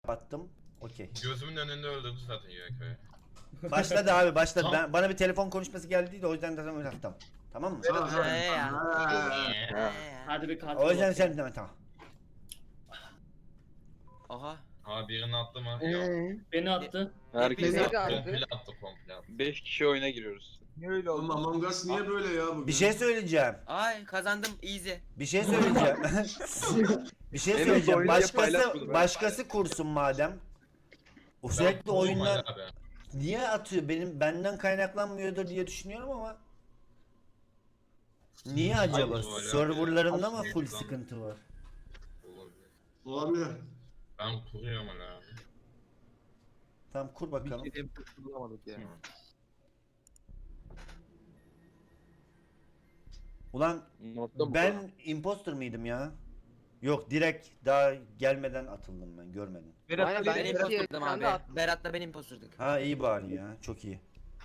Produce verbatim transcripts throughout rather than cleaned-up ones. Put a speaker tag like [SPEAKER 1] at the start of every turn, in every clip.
[SPEAKER 1] Attım. Okey.
[SPEAKER 2] Gözümün önünde öldürdü zaten Y K'yı.
[SPEAKER 1] Başladı abi başladı.
[SPEAKER 2] Tamam.
[SPEAKER 1] Ben, bana bir telefon konuşması geldi de o yüzden de öyle attım. Tamam mı?
[SPEAKER 3] Ha, ha,
[SPEAKER 4] Ee ya.
[SPEAKER 3] ha.
[SPEAKER 4] Ee.
[SPEAKER 5] Hadi bir katil
[SPEAKER 1] O yüzden
[SPEAKER 5] bakayım.
[SPEAKER 1] sen deme tamam.
[SPEAKER 4] Oha.
[SPEAKER 2] Ha birini attı mı? Yok.
[SPEAKER 6] Eee?
[SPEAKER 5] Beni attı.
[SPEAKER 6] Beni
[SPEAKER 4] Herkes
[SPEAKER 6] de
[SPEAKER 2] Attı,
[SPEAKER 6] attı.
[SPEAKER 2] komple attı komple attı.
[SPEAKER 4] beş kişi oyuna giriyoruz.
[SPEAKER 7] Niye öyle
[SPEAKER 3] Oğlum
[SPEAKER 7] oldu?
[SPEAKER 3] Among Us niye böyle ya bugün?
[SPEAKER 1] Bir şey söyleyeceğim.
[SPEAKER 4] Ay kazandım easy.
[SPEAKER 1] Bir şey söyleyeceğim. bir şey
[SPEAKER 4] Benim
[SPEAKER 1] söyleyeceğim.
[SPEAKER 4] oyunu diye paylaş
[SPEAKER 1] Başkası
[SPEAKER 4] bunu, ben
[SPEAKER 1] başkası kursun madem. O sürekli
[SPEAKER 2] Ben-
[SPEAKER 1] oyunlar
[SPEAKER 2] Abi.
[SPEAKER 1] niye atıyor? Benim benden kaynaklanmıyordur diye düşünüyorum ama. Niye acaba?
[SPEAKER 2] Hayır, öyle.
[SPEAKER 1] Serverlarında mı full
[SPEAKER 2] Aslında-
[SPEAKER 1] sıkıntı var?
[SPEAKER 2] Olabilir.
[SPEAKER 3] Olabilir.
[SPEAKER 2] Ben kuruyorum hala abi.
[SPEAKER 1] Tamam kur bakalım.
[SPEAKER 7] Bir şey bulamadık ya.
[SPEAKER 1] Ulan
[SPEAKER 4] Notta mı?
[SPEAKER 1] ben imposter mıydım ya? Yok direkt daha gelmeden atıldım ben görmedim.
[SPEAKER 7] Berat
[SPEAKER 6] Aynen,
[SPEAKER 7] Ali-
[SPEAKER 6] ben
[SPEAKER 4] Ben
[SPEAKER 6] Berat-
[SPEAKER 4] imposturdum
[SPEAKER 6] Berat-
[SPEAKER 4] abi.
[SPEAKER 6] Berat-
[SPEAKER 4] Berat'la ben imposturduk.
[SPEAKER 1] Ha iyi bari ya çok iyi.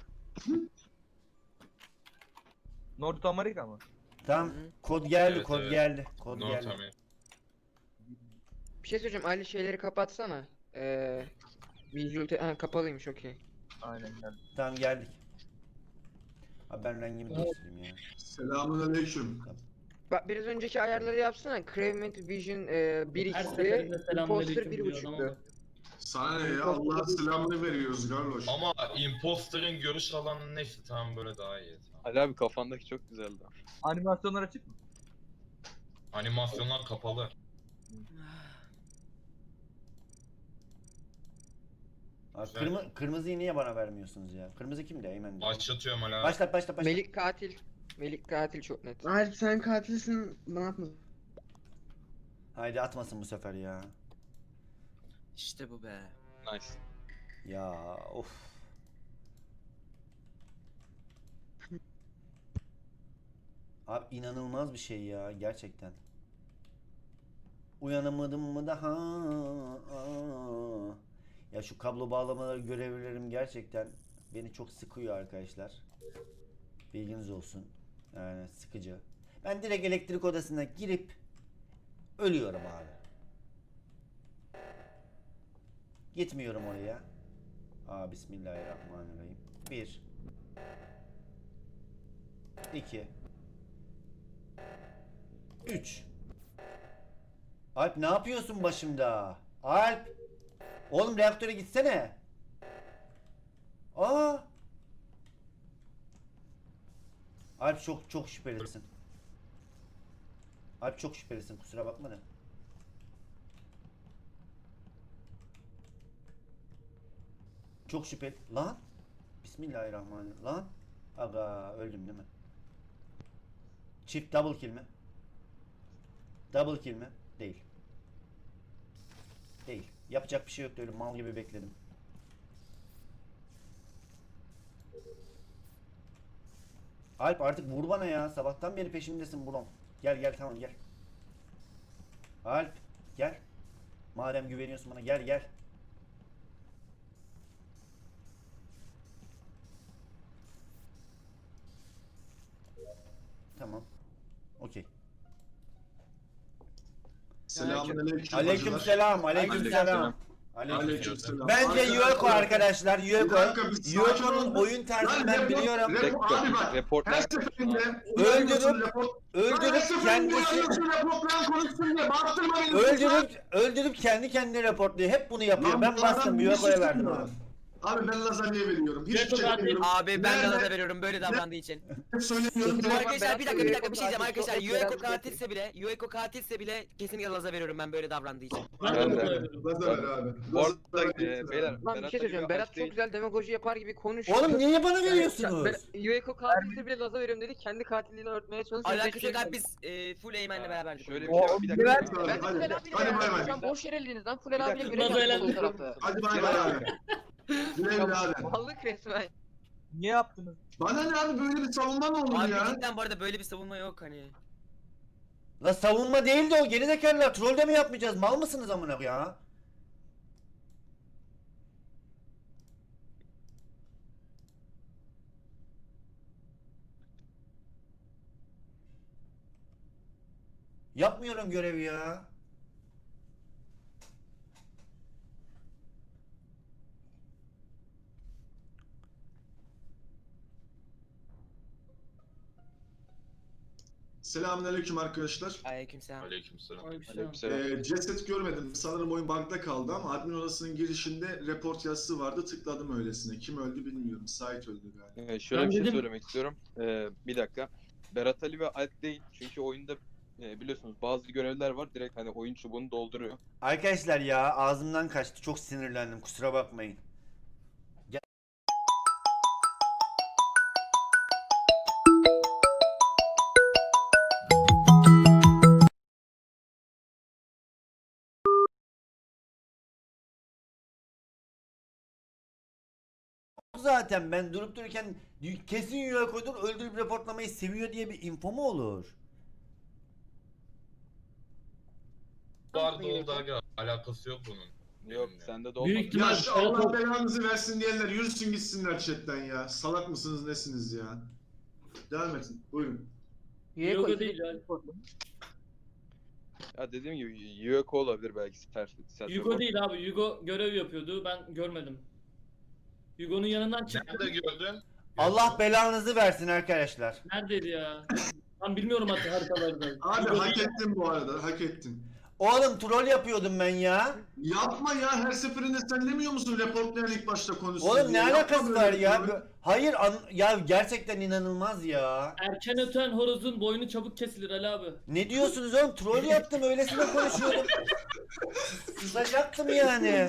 [SPEAKER 7] North Amerika mı?
[SPEAKER 1] Tamam
[SPEAKER 4] Hı hı.
[SPEAKER 1] kod geldi
[SPEAKER 2] Evet,
[SPEAKER 1] kod
[SPEAKER 2] evet.
[SPEAKER 1] geldi kod
[SPEAKER 2] No
[SPEAKER 1] geldi.
[SPEAKER 2] tamam.
[SPEAKER 6] Bir şey söyleyeceğim. Ali şeyleri kapatsana. Eee... Visual te- ha, kapalıymış okey.
[SPEAKER 7] Aynen geldi.
[SPEAKER 1] Tamam geldik. Abi ben rengimi değiştireyim ya.
[SPEAKER 3] Selamünaleyküm.
[SPEAKER 6] Bak biraz önceki ayarları yapsana. Cravement Vision eee bir
[SPEAKER 5] Her
[SPEAKER 6] x'ti.
[SPEAKER 5] seferinde
[SPEAKER 6] Imposter
[SPEAKER 5] selamünaleyküm
[SPEAKER 6] bir
[SPEAKER 5] diyor adam ama.
[SPEAKER 6] buçuktu.
[SPEAKER 3] Sana ne ya? Allah'ın selamını veriyoruz Garloş.
[SPEAKER 2] Ama imposter'ın görüş alanı neyse tamam böyle daha iyi. Tamam.
[SPEAKER 4] Ali abi kafandaki çok güzeldi.
[SPEAKER 7] Animasyonlar açık mı?
[SPEAKER 2] Animasyonlar kapalı.
[SPEAKER 1] Abi
[SPEAKER 2] Güzel.
[SPEAKER 1] kırmı, kırmızıyı niye bana vermiyorsunuz ya? Kırmızı kimdi? Eymen.
[SPEAKER 2] Başlatıyorum hala.
[SPEAKER 1] Başlat başlat başlat.
[SPEAKER 6] Melik katil. Melik katil çok net.
[SPEAKER 8] Alp sen katilsin, bana atma.
[SPEAKER 1] Haydi atmasın bu sefer ya.
[SPEAKER 4] İşte bu be. Nice.
[SPEAKER 1] Ya of. Abi inanılmaz bir şey ya gerçekten. Uyanamadım mı daha? Aa. Ya şu kablo bağlamaları görevlerim gerçekten beni çok sıkıyor arkadaşlar. Bilginiz olsun. Yani sıkıcı. Ben direkt elektrik odasına girip ölüyorum abi. Gitmiyorum oraya. Aa bismillahirrahmanirrahim. Bir. İki. Üç. Alp ne yapıyorsun başımda? Alp. Oğlum reaktöre gitsene. Aa. Alp çok çok şüphelisin. Alp çok şüphelisin kusura bakma da. Çok şüpheli. Lan. Bismillahirrahmanirrahim. Lan. Aga öldüm değil mi? Çift double kill mi? Double kill mi? Değil. Değil. Yapacak bir şey yoktu öyle mal gibi bekledim. Alp artık vur bana ya. Sabahtan beri peşimdesin Brom. Gel gel tamam gel. Alp gel. Madem güveniyorsun bana gel gel. Tamam. Okey.
[SPEAKER 3] Selamünaleyküm.
[SPEAKER 1] Aleyküm
[SPEAKER 3] hacılar.
[SPEAKER 1] selam. Aleyküm selam.
[SPEAKER 4] Aleykümselam.
[SPEAKER 3] Aleykümselam.
[SPEAKER 1] Bence Yueko arkadaşlar.
[SPEAKER 3] Bir
[SPEAKER 1] Yueko.
[SPEAKER 3] dakika, bir sakin
[SPEAKER 1] Yueko'nun
[SPEAKER 3] olun.
[SPEAKER 1] oyun tarzını
[SPEAKER 3] Lan
[SPEAKER 1] ben
[SPEAKER 3] report-
[SPEAKER 1] biliyorum.
[SPEAKER 3] report-
[SPEAKER 4] Bekle,
[SPEAKER 3] Abi bak,
[SPEAKER 4] report
[SPEAKER 3] her
[SPEAKER 4] ne?
[SPEAKER 3] seferinde
[SPEAKER 1] Öldürüp-
[SPEAKER 3] uyarıyorsun, report- Lan her
[SPEAKER 1] Öldürüp
[SPEAKER 3] seferinde
[SPEAKER 1] kendisi
[SPEAKER 3] uyarıyorsun, reportlayan konuşsun diye bağırtırma beni.
[SPEAKER 1] öldürüp öldürüp kendi kendine raporluyor. Hep bunu yapıyor.
[SPEAKER 3] Lan
[SPEAKER 1] Ben
[SPEAKER 3] bu
[SPEAKER 1] bastım
[SPEAKER 3] adam bir
[SPEAKER 1] Yueko'ya
[SPEAKER 3] şey
[SPEAKER 1] verdim
[SPEAKER 3] söylüyor.
[SPEAKER 1] abi.
[SPEAKER 3] Abi ben lazanyaya veriyorum. Hiçbir
[SPEAKER 5] Report
[SPEAKER 3] şey
[SPEAKER 5] abi.
[SPEAKER 3] demiyorum.
[SPEAKER 4] Abi ben de
[SPEAKER 3] Nerede?
[SPEAKER 4] laza veriyorum böyle davrandığı için.
[SPEAKER 3] Hep söylemiyorum.
[SPEAKER 6] Berat-
[SPEAKER 4] Arkadaşlar bir dakika bir dakika bir şey diyeceğim
[SPEAKER 6] Berat-
[SPEAKER 4] arkadaşlar.
[SPEAKER 6] Berat-
[SPEAKER 4] Yueko
[SPEAKER 6] Berat-
[SPEAKER 4] katilse bile, Yueko katilse bile kesinlikle laza veriyorum ben böyle davrandığı için.
[SPEAKER 5] Ben de
[SPEAKER 4] Ben de.
[SPEAKER 5] bunu veriyorum.
[SPEAKER 3] Lazer ver abi.
[SPEAKER 4] Bu arada
[SPEAKER 3] Lazer ver.
[SPEAKER 4] e, beyler
[SPEAKER 6] Lan bir şey söyleyeceğim. Berat çok güzel demagoji yapar gibi konuşuyor.
[SPEAKER 1] Oğlum niye bana
[SPEAKER 6] Yani,
[SPEAKER 1] veriyorsunuz?
[SPEAKER 6] Berat- Yueko katilse bile laza veriyorum dedi. Kendi katilliğini örtmeye çalışıyor.
[SPEAKER 4] Alakası yok abi biz e, full Eymen'le beraberdik.
[SPEAKER 9] Şöyle bir
[SPEAKER 4] oyunu.
[SPEAKER 9] şey var, bir dakika.
[SPEAKER 8] Berat-
[SPEAKER 9] bir dakika.
[SPEAKER 6] Ben de
[SPEAKER 3] Hadi,
[SPEAKER 6] Fulel
[SPEAKER 3] hadi,
[SPEAKER 6] abiyle
[SPEAKER 3] hadi bay
[SPEAKER 6] beraber.
[SPEAKER 3] bay.
[SPEAKER 6] Şu an boş yer eldiniz lan. Fulel
[SPEAKER 9] Bir
[SPEAKER 6] abiyle
[SPEAKER 9] dakika.
[SPEAKER 6] görev
[SPEAKER 5] Laza
[SPEAKER 6] yaptık
[SPEAKER 5] eğlendim.
[SPEAKER 6] sol tarafta.
[SPEAKER 3] Hadi bay bay abi. Güle güle abi.
[SPEAKER 6] Mallık resmen.
[SPEAKER 7] Niye yaptınız?
[SPEAKER 3] Bana ne abi böyle bir savunma mı olur
[SPEAKER 4] Abi
[SPEAKER 3] ya?
[SPEAKER 4] cidden bu arada böyle bir savunma yok hani.
[SPEAKER 1] La savunma değil de o gerizekalılar trollde mi yapmayacağız? Mal mısınız amına ya? Yapmıyorum görevi ya.
[SPEAKER 3] Selamünaleyküm arkadaşlar.
[SPEAKER 4] Aleykümselam.
[SPEAKER 2] Aleykümselam.
[SPEAKER 3] Ee, ceset görmedim. Sanırım oyun bug'da kaldı ama admin odasının girişinde report yazısı vardı. Tıkladım öylesine. Kim öldü bilmiyorum. Sait öldü galiba.
[SPEAKER 5] Ee, şöyle
[SPEAKER 9] Ben
[SPEAKER 5] bir şey
[SPEAKER 9] dedim-
[SPEAKER 5] söylemek istiyorum. Ee, bir dakika. Berat Ali ve Alp değil. Çünkü oyunda e, biliyorsunuz bazı görevler var. Direkt hani oyun çubuğunu dolduruyor.
[SPEAKER 1] Arkadaşlar ya ağzımdan kaçtı. Çok sinirlendim. Kusura bakmayın. Zaten ben durup dururken kesin yuva koydum öldürüp reportlamayı seviyor diye bir info mu olur?
[SPEAKER 2] Vardı oldu aga. Alakası yok bunun.
[SPEAKER 5] Yok
[SPEAKER 2] Benimle.
[SPEAKER 5] sende de
[SPEAKER 9] Büyük
[SPEAKER 5] olmadı.
[SPEAKER 9] ihtimal-
[SPEAKER 3] Ya şu
[SPEAKER 9] Berat
[SPEAKER 3] Allah
[SPEAKER 9] ol-
[SPEAKER 3] belanızı versin diyenler yürüsün gitsinler chatten ya. Salak mısınız nesiniz ya? Devam edin. Buyurun.
[SPEAKER 6] Üye
[SPEAKER 9] Yoga
[SPEAKER 6] koy-
[SPEAKER 9] değil ya.
[SPEAKER 5] Ya dediğim gibi Yueko olabilir belki. Self, self
[SPEAKER 9] Yugo değil abi. Yugo görev yapıyordu. Ben görmedim. Yugo'nun yanından çıktım.
[SPEAKER 2] Nerede gördün?
[SPEAKER 1] Allah belanızı versin arkadaşlar.
[SPEAKER 9] Neredeydi ya? Ben bilmiyorum hatta haritaları da.
[SPEAKER 3] Abi
[SPEAKER 9] Yugo
[SPEAKER 3] hak
[SPEAKER 9] değil.
[SPEAKER 3] ettin bu arada. Hak ettin.
[SPEAKER 1] Oğlum troll yapıyordum ben ya.
[SPEAKER 3] Yapma ya. Her seferinde sen demiyor musun reportlayan ilk başta konuşsun
[SPEAKER 1] Oğlum
[SPEAKER 3] diye?
[SPEAKER 1] ne
[SPEAKER 3] Yapma
[SPEAKER 1] alakası
[SPEAKER 3] böyle
[SPEAKER 1] var
[SPEAKER 3] bir
[SPEAKER 1] ya?
[SPEAKER 3] şey.
[SPEAKER 1] Bu- Hayır an- ya gerçekten inanılmaz ya.
[SPEAKER 9] Erken öten horozun boynu çabuk kesilir Ali abi.
[SPEAKER 1] Ne diyorsunuz oğlum? Troll yaptım öylesine konuşuyordum. Sızacaktım yani.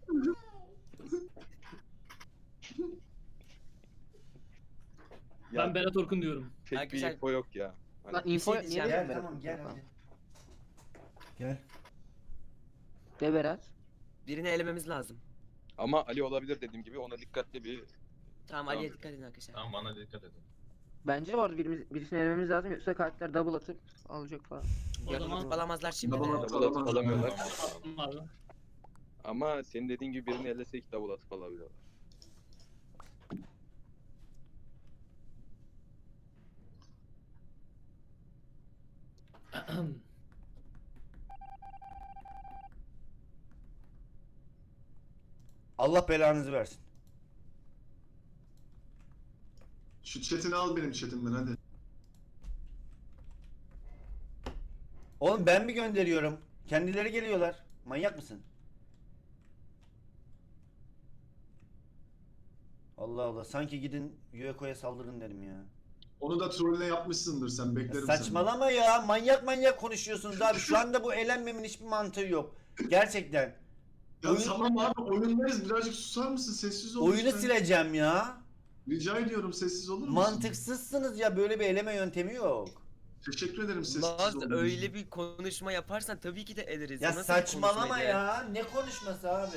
[SPEAKER 9] Ben Berat Orkun diyorum.
[SPEAKER 5] Pek bir
[SPEAKER 4] Arkadaşlar-
[SPEAKER 5] info yok ya. Hani
[SPEAKER 6] Lan info
[SPEAKER 4] şey
[SPEAKER 6] niye
[SPEAKER 4] diyeceğim.
[SPEAKER 1] Gel
[SPEAKER 6] dedin Berat?
[SPEAKER 1] tamam gel hadi. Gel.
[SPEAKER 6] De Berat.
[SPEAKER 4] Birini elememiz lazım.
[SPEAKER 5] ama Ali olabilir dediğim gibi ona dikkatli bir
[SPEAKER 4] Tamam Ali'ye dikkat edin arkadaşlar.
[SPEAKER 2] Tamam bana dikkat edin.
[SPEAKER 6] Bence var birimiz, birisini elememiz lazım yoksa karakter double atıp alacak falan.
[SPEAKER 9] O
[SPEAKER 6] Yarın
[SPEAKER 9] zaman-
[SPEAKER 6] olur.
[SPEAKER 4] Alamazlar şimdi
[SPEAKER 3] Double
[SPEAKER 4] de.
[SPEAKER 3] up.
[SPEAKER 5] double atıp
[SPEAKER 3] Alamaz.
[SPEAKER 5] alamıyorlar.
[SPEAKER 9] Attım abi.
[SPEAKER 5] Ama senin dediğin gibi birini ellesek double atıp alabiliyorlar.
[SPEAKER 1] Allah belanızı versin.
[SPEAKER 3] Şu chatini al benim chatimden hadi.
[SPEAKER 1] Oğlum ben mi gönderiyorum? Kendileri geliyorlar. Manyak mısın? Allah Allah sanki gidin Yueko'ya saldırın derim ya.
[SPEAKER 3] Onu da trollüne yapmışsındır sen.
[SPEAKER 1] Ya
[SPEAKER 3] Beklerim
[SPEAKER 1] saçmalama ya. Manyak manyak konuşuyorsunuz abi. Şu anda bu eğlenmemin hiçbir mantığı yok. Gerçekten.
[SPEAKER 3] seni. Ya
[SPEAKER 1] Oyun-
[SPEAKER 3] tamam abi oyundayız. Birazcık susar mısın? Sessiz ol.
[SPEAKER 1] Oyunu
[SPEAKER 3] lütfen.
[SPEAKER 1] sileceğim ya.
[SPEAKER 3] Rica ediyorum sessiz olur musun?
[SPEAKER 1] Mantıksızsınız ya. Böyle bir eleme yöntemi yok.
[SPEAKER 3] Teşekkür ederim sessiz
[SPEAKER 4] Laz
[SPEAKER 3] olduğunuz
[SPEAKER 4] öyle
[SPEAKER 3] için.
[SPEAKER 4] bir konuşma yaparsan tabii ki de ederiz.
[SPEAKER 1] Ya
[SPEAKER 4] Nasıl bir
[SPEAKER 1] saçmalama
[SPEAKER 4] konuşmaydı?
[SPEAKER 1] ya. Ne konuşması abi?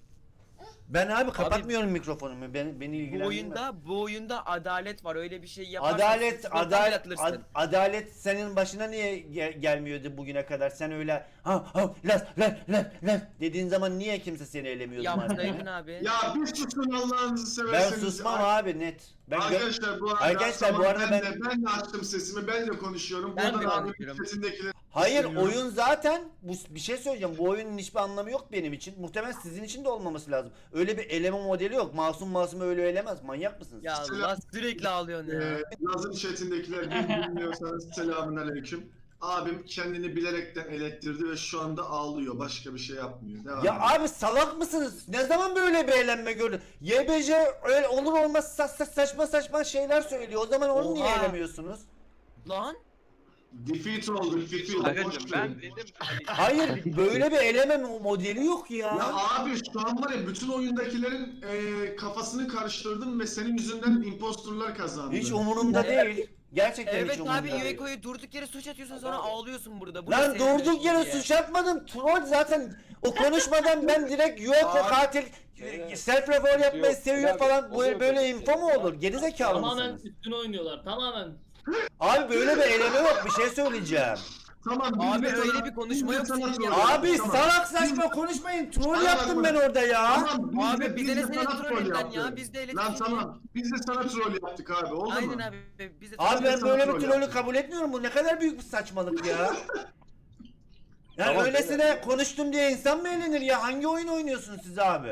[SPEAKER 1] Ben abi kapatmıyorum mikrofonumu. Beni, beni
[SPEAKER 4] Bu
[SPEAKER 1] ilgilendirmez.
[SPEAKER 4] oyunda bu oyunda adalet var. Öyle bir şey yaparsan
[SPEAKER 1] Adalet,
[SPEAKER 4] sınıftan
[SPEAKER 1] adalet,
[SPEAKER 4] atılırsın.
[SPEAKER 1] ad- adalet senin başına niye gel- gelmiyordu bugüne kadar? Sen öyle ha ha las las las las dediğin zaman niye kimse seni elemiyordu?
[SPEAKER 4] Yapsaydın
[SPEAKER 1] madem?
[SPEAKER 4] abi.
[SPEAKER 3] Ya bir susun Allah'ınızı
[SPEAKER 1] Ben
[SPEAKER 3] severseniz.
[SPEAKER 1] susmam
[SPEAKER 3] Ar-
[SPEAKER 1] abi net. Ben gö-
[SPEAKER 3] Arkadaşlar bu arada,
[SPEAKER 1] Arkadaşlar, bu
[SPEAKER 3] tamam,
[SPEAKER 1] arada
[SPEAKER 3] ben,
[SPEAKER 1] ben-
[SPEAKER 3] de, ben de açtım sesimi, ben de konuşuyorum.
[SPEAKER 4] Ben de
[SPEAKER 3] Buradan abi
[SPEAKER 4] konuşuyorum.
[SPEAKER 3] chatindekileri
[SPEAKER 1] Hayır
[SPEAKER 3] seviyorum.
[SPEAKER 1] oyun zaten bu bir şey söyleyeceğim. Bu oyunun hiçbir anlamı yok benim için. Muhtemelen sizin için de olmaması lazım. Öyle bir eleme modeli yok. Masum masum öyle elemez. Manyak mısınız?
[SPEAKER 4] Ya
[SPEAKER 3] Selam.
[SPEAKER 4] Allah sürekli ağlıyorsun ya.
[SPEAKER 3] Ee, Laz'ın chatindekiler beni bilmiyorsanız selamun aleyküm. Abim kendini bilerekten elektirdi ve şu anda ağlıyor. Başka bir şey yapmıyor. Devam
[SPEAKER 1] Ya
[SPEAKER 3] edin.
[SPEAKER 1] abi salak mısınız? Ne zaman böyle bir eğlenme gördün? Y B J öyle olur olmaz sa- sa- saçma saçma şeyler söylüyor. O zaman onu niye
[SPEAKER 4] Oha.
[SPEAKER 1] eğlemiyorsunuz?
[SPEAKER 4] Lan
[SPEAKER 3] Defeat olduk, defeat.
[SPEAKER 5] Agacım
[SPEAKER 3] Boş
[SPEAKER 5] ben
[SPEAKER 3] verin.
[SPEAKER 5] dedim.
[SPEAKER 1] Hayır böyle bir eleme mo- modeli yok ya.
[SPEAKER 3] Ya abi şu an var ya bütün oyundakilerin e, kafasını karıştırdım ve senin yüzünden impostorlar kazandı.
[SPEAKER 1] Hiç umurumda
[SPEAKER 4] Evet.
[SPEAKER 1] değil. Gerçekten hiç
[SPEAKER 4] evet
[SPEAKER 1] umurumda
[SPEAKER 4] abi
[SPEAKER 1] değil.
[SPEAKER 4] Yueko'yu durduk yere suç atıyorsun sonra ağlıyorsun burada. Bu
[SPEAKER 1] Lan
[SPEAKER 4] ne senin
[SPEAKER 1] durduk yere
[SPEAKER 4] diye.
[SPEAKER 1] suç atmadım. Troll zaten o konuşmadan ben direkt Yueko
[SPEAKER 5] Abi.
[SPEAKER 1] katil
[SPEAKER 5] Evet.
[SPEAKER 1] self report yapmayı
[SPEAKER 5] Yok,
[SPEAKER 1] seviyor
[SPEAKER 5] abi,
[SPEAKER 1] falan. Bu
[SPEAKER 5] oluyor
[SPEAKER 1] böyle
[SPEAKER 5] böyle
[SPEAKER 1] info mu
[SPEAKER 5] şeyler.
[SPEAKER 1] olur? Gerizekalı
[SPEAKER 9] Tamamen
[SPEAKER 1] mısınız?
[SPEAKER 9] üstüne oynuyorlar. Tamamen.
[SPEAKER 1] Abi böyle bir eleme yok. Bir şey söyleyeceğim.
[SPEAKER 3] Tamam. biz
[SPEAKER 4] Abi
[SPEAKER 3] de
[SPEAKER 4] öyle
[SPEAKER 3] sana-
[SPEAKER 4] bir konuşma
[SPEAKER 3] biz de
[SPEAKER 4] yok
[SPEAKER 3] sana
[SPEAKER 4] senin ya.
[SPEAKER 3] troll
[SPEAKER 1] Abi
[SPEAKER 3] yaptık, tamam.
[SPEAKER 1] salak saçma konuşmayın. Troll
[SPEAKER 3] Tamam,
[SPEAKER 1] yaptım
[SPEAKER 3] bak.
[SPEAKER 1] ben orada ya.
[SPEAKER 3] Tamam, biz
[SPEAKER 4] Abi
[SPEAKER 3] de-
[SPEAKER 4] bize
[SPEAKER 3] biz
[SPEAKER 4] ne
[SPEAKER 3] de
[SPEAKER 4] senin
[SPEAKER 3] sana
[SPEAKER 4] trollünden
[SPEAKER 3] yaptık.
[SPEAKER 4] ya biz de
[SPEAKER 3] Lan
[SPEAKER 4] elektrik.
[SPEAKER 3] tamam. Biz de sana troll yaptık abi. Oldu
[SPEAKER 4] Aynen
[SPEAKER 3] mu?
[SPEAKER 4] abi biz de
[SPEAKER 1] Abi ben
[SPEAKER 3] sana
[SPEAKER 1] böyle bir
[SPEAKER 3] troll
[SPEAKER 1] trollü
[SPEAKER 3] yaptım.
[SPEAKER 1] kabul etmiyorum. Bu ne kadar büyük bir saçmalık ya. Yani
[SPEAKER 5] Tamam,
[SPEAKER 1] öylesine
[SPEAKER 5] beyler.
[SPEAKER 1] konuştum diye insan mı eğlenir ya? Hangi oyun oynuyorsunuz siz abi?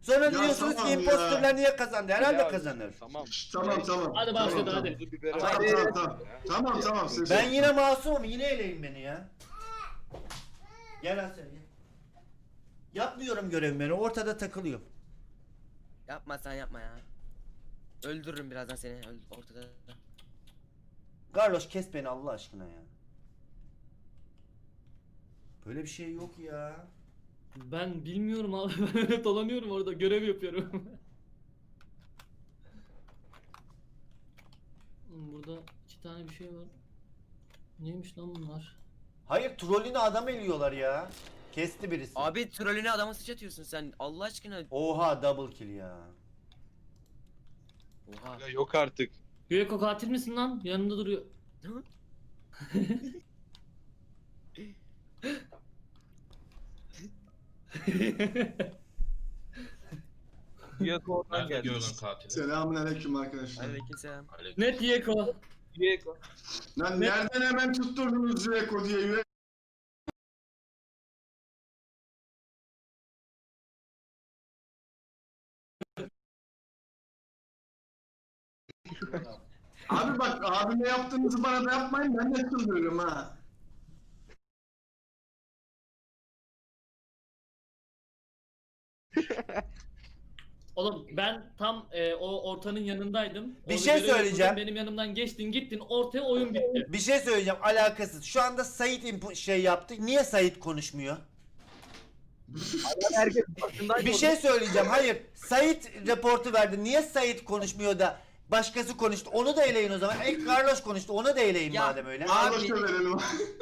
[SPEAKER 1] Sonra
[SPEAKER 3] Ya
[SPEAKER 1] diyorsunuz
[SPEAKER 3] tamam
[SPEAKER 1] ki
[SPEAKER 3] ya.
[SPEAKER 1] imposterler niye kazandı? Herhalde
[SPEAKER 5] Ya,
[SPEAKER 1] kazanır.
[SPEAKER 5] Tamam.
[SPEAKER 3] Şş, Tamam tamam.
[SPEAKER 9] Hadi
[SPEAKER 3] Tamam,
[SPEAKER 9] başladı,
[SPEAKER 3] tamam.
[SPEAKER 9] hadi.
[SPEAKER 5] Tuzu biberi
[SPEAKER 3] Tamam
[SPEAKER 5] at.
[SPEAKER 3] tamam tamam. Tamam tamam. ses
[SPEAKER 1] Ben
[SPEAKER 3] yok.
[SPEAKER 1] yine masumum. Yine eleyin beni ya. Gel Asel gel. Yapmıyorum görevimi. Ortada takılıyorum.
[SPEAKER 4] Yapma sen yapma ya. Öldürürüm birazdan seni öl- ortada.
[SPEAKER 1] Carlos kes beni Allah aşkına ya. Böyle bir şey yok ya.
[SPEAKER 9] Ben bilmiyorum abi. Ben öyle dolanıyorum orada. Görev yapıyorum. Hmm, Burada iki tane bir şey var. Neymiş lan bunlar?
[SPEAKER 1] Hayır trollünü adam eliyorlar ya. Kesti birisi.
[SPEAKER 4] Abi trolüne adama sıçratıyorsun sen. Allah aşkına.
[SPEAKER 1] Oha double kill ya.
[SPEAKER 4] Oha.
[SPEAKER 5] Ya yok artık.
[SPEAKER 9] Yueko katil misin lan? Yanında duruyor.
[SPEAKER 7] Yeko oradan
[SPEAKER 2] Nerede
[SPEAKER 7] geldi.
[SPEAKER 2] gördün katili?
[SPEAKER 3] Selamünaleyküm arkadaşlar.
[SPEAKER 4] Aleykümselam.
[SPEAKER 2] Aleyküm.
[SPEAKER 9] Net Yueko.
[SPEAKER 7] Yeko.
[SPEAKER 3] Lan
[SPEAKER 9] Ne-
[SPEAKER 3] nereden hemen tutturdunuz Reko diye yüre- Abi bak abime yaptığınızı bana da yapmayın ben de çıldırırım ha.
[SPEAKER 9] Oğlum ben tam e, o ortanın yanındaydım.
[SPEAKER 1] Bir
[SPEAKER 9] Orada
[SPEAKER 1] şey
[SPEAKER 9] görev yapıyordum,
[SPEAKER 1] söyleyeceğim.
[SPEAKER 9] Benim yanımdan geçtin gittin ortaya oyun bitti.
[SPEAKER 1] Bir şey söyleyeceğim alakasız. Şu anda Sait impu- şey yaptı. Niye Sait konuşmuyor?
[SPEAKER 7] Herkes başındaydı.
[SPEAKER 1] Bir şey söyleyeceğim. Hayır. Sait raportu verdi. Niye Sait konuşmuyor da başkası konuştu? Onu da eleyin o zaman. E Carlos konuştu. Onu da eleyin
[SPEAKER 4] Ya,
[SPEAKER 1] madem öyle.
[SPEAKER 4] Abi-
[SPEAKER 3] Carlos'a verelim.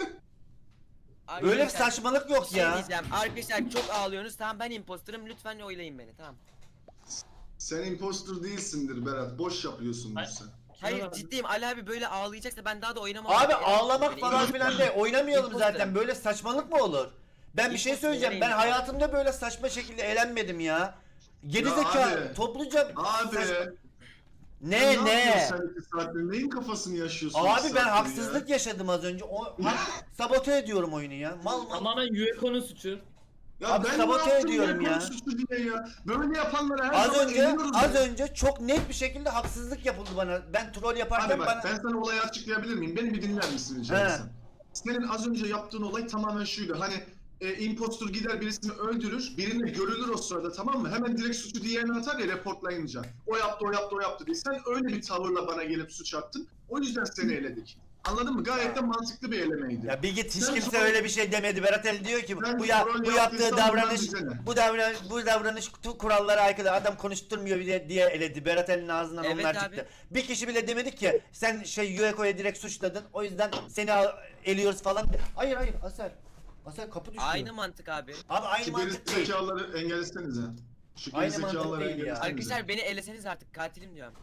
[SPEAKER 4] Abi
[SPEAKER 1] Böyle bir
[SPEAKER 4] lütfen,
[SPEAKER 1] saçmalık
[SPEAKER 4] bir
[SPEAKER 1] yok
[SPEAKER 4] şey
[SPEAKER 1] ya.
[SPEAKER 4] diyeceğim. Arkadaşlar çok ağlıyorsunuz. Tamam ben imposterım. Lütfen oylayın beni. Tamam.
[SPEAKER 3] Sen impostor değilsindir Berat. Boş yapıyorsundur
[SPEAKER 9] Hayır.
[SPEAKER 3] sen.
[SPEAKER 4] Hayır
[SPEAKER 9] Kilo
[SPEAKER 4] ciddiyim. Ali abi böyle ağlayacaksa ben daha da oynamam.
[SPEAKER 1] Abi
[SPEAKER 4] Yani
[SPEAKER 1] ağlamak
[SPEAKER 4] beni
[SPEAKER 1] falan
[SPEAKER 4] imposter-
[SPEAKER 1] filan de oynamayalım
[SPEAKER 4] İmposter.
[SPEAKER 1] zaten. Böyle saçmalık mı olur? Ben bir şey
[SPEAKER 4] İmposter
[SPEAKER 1] söyleyeceğim. Ben
[SPEAKER 4] eleyin.
[SPEAKER 1] hayatımda böyle saçma şekilde eğlenmedim ya. Geri
[SPEAKER 3] Ya
[SPEAKER 1] zeka
[SPEAKER 3] abi.
[SPEAKER 1] topluca
[SPEAKER 3] Abi.
[SPEAKER 1] saç- Ne
[SPEAKER 3] yapıyorsun
[SPEAKER 1] ne?
[SPEAKER 3] Sen iki saattir neyin kafasını yaşıyorsun?
[SPEAKER 1] Abi
[SPEAKER 3] iki
[SPEAKER 1] ben
[SPEAKER 3] saattir ya?
[SPEAKER 1] haksızlık yaşadım az önce. O hak- sabote ediyorum oyunu ya. Mal mal.
[SPEAKER 9] Tamamen Yueko'nun suçu.
[SPEAKER 3] Ya
[SPEAKER 1] Abi
[SPEAKER 3] ben
[SPEAKER 1] sabote
[SPEAKER 3] ne yaptım
[SPEAKER 1] ediyorum
[SPEAKER 3] ya?
[SPEAKER 1] ya.
[SPEAKER 3] Konuşucu diye ya. Böyle yapanlara her
[SPEAKER 1] Az
[SPEAKER 3] zaman
[SPEAKER 1] önce
[SPEAKER 3] eliyoruz
[SPEAKER 1] az
[SPEAKER 3] ya.
[SPEAKER 1] önce çok net bir şekilde haksızlık yapıldı bana. Ben troll yaparken
[SPEAKER 3] Abi bak
[SPEAKER 1] bana
[SPEAKER 3] ben sana olayı açıklayabilir miyim? Beni bir dinler misin rica
[SPEAKER 1] He.
[SPEAKER 3] etsem? Senin az önce yaptığın olay tamamen şuydu. Hani e, impostor gider birisini öldürür, birine görülür o sırada tamam mı? Hemen direkt suçu diğerine atar ya reportlayınca. O yaptı, o yaptı, o yaptı diye. Sen öyle bir tavırla bana gelip suç attın. O yüzden seni eledik. Anladın mı? Gayet de mantıklı bir elemeydi.
[SPEAKER 1] ya bir git hiç
[SPEAKER 3] Sen
[SPEAKER 1] kimse
[SPEAKER 3] troll-
[SPEAKER 1] öyle bir şey demedi. Berat Ali diyor ki
[SPEAKER 3] Sen
[SPEAKER 1] bu ya
[SPEAKER 3] troll
[SPEAKER 1] bu yaptığı
[SPEAKER 3] yaptıysan
[SPEAKER 1] davranış
[SPEAKER 3] bundan bize ne?
[SPEAKER 1] bu davranış bu davranış tu- kurallara aykırı. Adam konuşturmuyor diye, diye eledi. Berat Ali'nin ağzından
[SPEAKER 4] Evet
[SPEAKER 1] onlar
[SPEAKER 4] abi.
[SPEAKER 1] çıktı. Bir kişi bile demedi ki sen şey Yueko'ya direkt suçladın. O yüzden seni al- eliyoruz falan. Hayır hayır Asel. Asel kapı düşüyor.
[SPEAKER 4] Aynı mantık abi.
[SPEAKER 1] Abi aynı
[SPEAKER 3] Şu
[SPEAKER 1] mantık
[SPEAKER 3] geri
[SPEAKER 1] değil.
[SPEAKER 3] zekaları engellesenize. Şu geri
[SPEAKER 1] Aynı mantık
[SPEAKER 3] zekaları
[SPEAKER 1] değil ya.
[SPEAKER 3] engellesenize.
[SPEAKER 4] Arkadaşlar beni eleseniz artık katilim diyorum.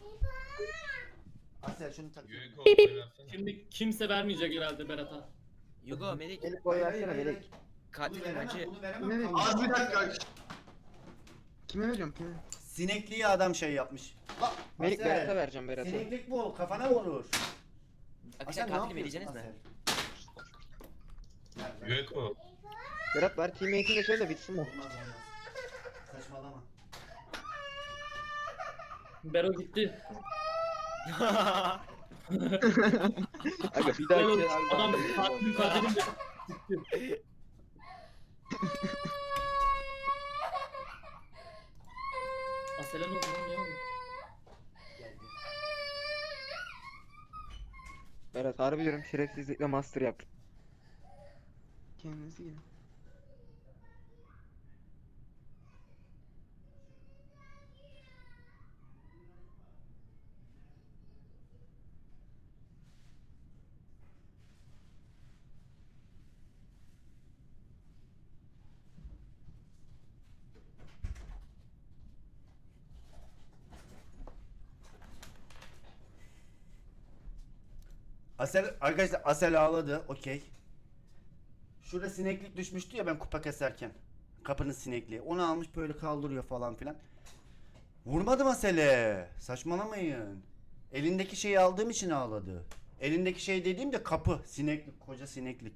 [SPEAKER 1] Asel şunu tak.
[SPEAKER 2] Yueko oynasana.
[SPEAKER 9] Şimdi kimse vermeyecek herhalde Berat'a.
[SPEAKER 4] Yugo Melik
[SPEAKER 8] Melek boy versene Melek.
[SPEAKER 4] katilim acı.
[SPEAKER 1] Bunu
[SPEAKER 8] Ne
[SPEAKER 1] veremem.
[SPEAKER 8] vereyim?
[SPEAKER 3] Az bir dakika.
[SPEAKER 8] Kime veriyorum kime?
[SPEAKER 1] Sinekliği adam şey yapmış. Bak,
[SPEAKER 6] Melik
[SPEAKER 1] Asel,
[SPEAKER 6] Berat'a vereceğim Berat'a.
[SPEAKER 1] Sineklik bu kafana vurur.
[SPEAKER 4] Arkadaşlar
[SPEAKER 1] Asel, ne
[SPEAKER 4] katilim
[SPEAKER 1] yapıyorsun
[SPEAKER 4] eleyeceğiniz mi?
[SPEAKER 1] Asel?
[SPEAKER 2] Yueko.
[SPEAKER 6] Berat var teammate'ini de söyle bitsin bu.
[SPEAKER 1] Olmaz olmaz. Saçmalama.
[SPEAKER 9] Bero gitti.
[SPEAKER 5] Aga bir daha
[SPEAKER 9] Oğlum,
[SPEAKER 5] şey
[SPEAKER 9] adam katilim katilim de gitti. Asela ne oldu lan, ne oldu?
[SPEAKER 6] Berat harbi diyorum şerefsizlikle master yap.
[SPEAKER 8] Kendinizi gelin.
[SPEAKER 1] Asel arkadaşlar Asel ağladı. Okey. Şurada sineklik düşmüştü ya ben kupa keserken. Kapının sinekliği. Onu almış böyle kaldırıyor falan filan. Vurmadım Asel'e. Saçmalamayın. Elindeki şeyi aldığım için ağladı. Elindeki şey dediğim de kapı. Sineklik. Koca sineklik.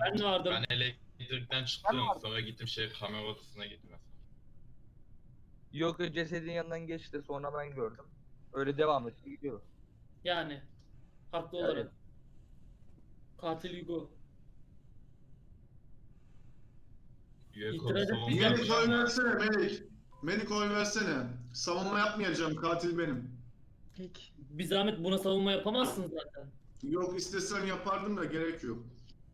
[SPEAKER 9] Ben de vardım.
[SPEAKER 2] Ben elektrikten çıktım.
[SPEAKER 7] vardım.
[SPEAKER 2] Sonra gittim şey kamera odasına gittim.
[SPEAKER 7] Yok cesedin yanından geçti sonra ben gördüm. Öyle devam etti gidiyor.
[SPEAKER 9] Yani. Haklı
[SPEAKER 7] Yani.
[SPEAKER 9] olarak. Katil Hugo.
[SPEAKER 2] Yueko
[SPEAKER 9] İtiraz
[SPEAKER 2] savunma
[SPEAKER 9] etmeyeceğim.
[SPEAKER 3] Melik
[SPEAKER 2] yapacağım
[SPEAKER 3] oy
[SPEAKER 2] ama
[SPEAKER 3] versene Melik. Melik oy versene. Savunma yapmayacağım, katil benim.
[SPEAKER 8] Peki.
[SPEAKER 9] Bir zahmet buna savunma yapamazsın zaten.
[SPEAKER 3] Yok, istesem yapardım da gerek yok.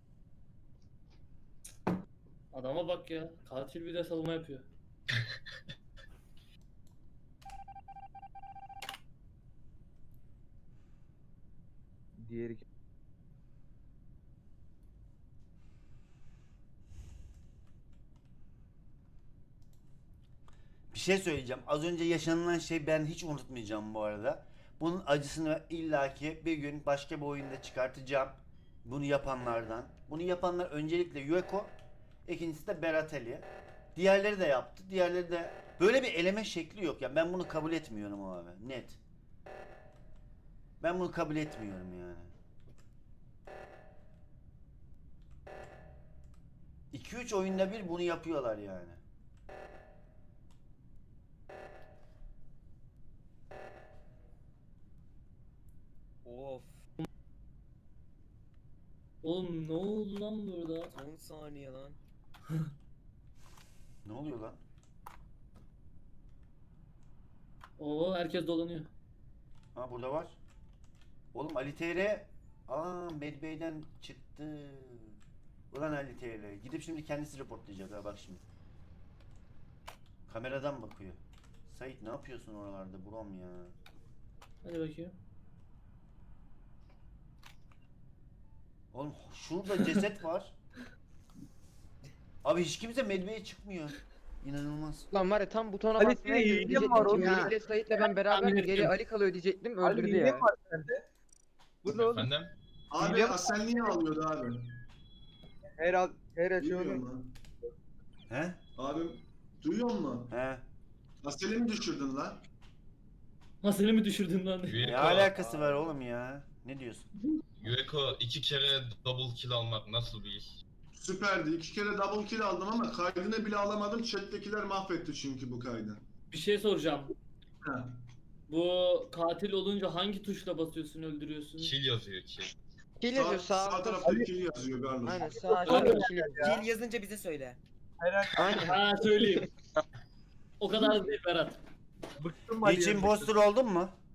[SPEAKER 9] Adama bak ya. Katil bir de savunma yapıyor.
[SPEAKER 7] Diğeri
[SPEAKER 1] Bir şey söyleyeceğim. Az önce yaşanılan şey ben hiç unutmayacağım bu arada. Bunun acısını illaki bir gün başka bir oyunda çıkartacağım. Bunu yapanlardan. Bunu yapanlar öncelikle Yueko, ikincisi de Berateli. Diğerleri de yaptı. Diğerleri de böyle bir eleme şekli yok ya. Ben bunu kabul etmiyorum abi. Net. Ben bunu kabul etmiyorum yani. iki üç oyunda bir bunu yapıyorlar yani.
[SPEAKER 4] Of.
[SPEAKER 9] Oğlum ne oldu lan burada?
[SPEAKER 4] on saniye lan.
[SPEAKER 1] Ne oluyor lan?
[SPEAKER 9] Oo herkes dolanıyor.
[SPEAKER 1] Ha burada var. Oğlum Ali T R. Aa Medbay'den çıktı. Ulan Ali T R. Gidip şimdi kendisi reportlayacak ha bak şimdi. Kameradan bakıyor. Sait ne yapıyorsun oralarda Brom ya?
[SPEAKER 9] Hadi bakayım.
[SPEAKER 1] Oğlum şurada ceset var. Abi hiç kimse Medbay'e çıkmıyor. İnanılmaz.
[SPEAKER 6] Lan var ya tam butona
[SPEAKER 7] Ali
[SPEAKER 6] basmaya
[SPEAKER 7] senin
[SPEAKER 6] girdim
[SPEAKER 7] hilem var
[SPEAKER 6] diyecektim ki
[SPEAKER 8] oğlum.
[SPEAKER 6] Melih'le Sait'le ben beraber
[SPEAKER 9] Tahmin
[SPEAKER 6] geri
[SPEAKER 9] ettim.
[SPEAKER 6] Ali kalıyor diyecektim
[SPEAKER 7] Ali
[SPEAKER 6] öldürdü
[SPEAKER 7] ne
[SPEAKER 6] ya.
[SPEAKER 7] var sende? Bu ne oğlum?
[SPEAKER 2] efendim.
[SPEAKER 3] Abi
[SPEAKER 7] Hile mi?
[SPEAKER 3] Asel niye ağlıyordu abi?
[SPEAKER 7] Her al her
[SPEAKER 3] Duyuyor
[SPEAKER 7] açıyorum.
[SPEAKER 3] musun?
[SPEAKER 1] He?
[SPEAKER 3] Abim duyuyor musun?
[SPEAKER 1] He?
[SPEAKER 3] Asel'i mi düşürdün lan?
[SPEAKER 9] Ha seni mi düşürdün lan?
[SPEAKER 1] Ne
[SPEAKER 2] Yueko,
[SPEAKER 1] alakası var oğlum ya? Ne diyorsun?
[SPEAKER 2] Yueko iki kere double kill almak nasıl bir iş?
[SPEAKER 3] Süperdi. İki kere double kill aldım ama kaydını bile alamadım. Chat'tekiler mahvetti çünkü bu kaydı.
[SPEAKER 9] Bir şey soracağım.
[SPEAKER 3] Ha.
[SPEAKER 9] Bu katil olunca hangi tuşla basıyorsun öldürüyorsun?
[SPEAKER 2] Kill yazıyor kill.
[SPEAKER 6] Kill
[SPEAKER 3] Sağ,
[SPEAKER 6] yazıyor
[SPEAKER 3] sağ,
[SPEAKER 6] sağ.
[SPEAKER 3] tarafta kill yazıyor Garloş.
[SPEAKER 6] Aynen sağ
[SPEAKER 9] Aynen.
[SPEAKER 6] aşağıda kill.
[SPEAKER 4] Kill yazınca bize söyle.
[SPEAKER 6] Aynen.
[SPEAKER 9] Ha söyleyeyim. O kadar değil Berat.
[SPEAKER 7] Bıktım
[SPEAKER 1] Hiç
[SPEAKER 7] Ali'ye.
[SPEAKER 1] impostor oldun mu?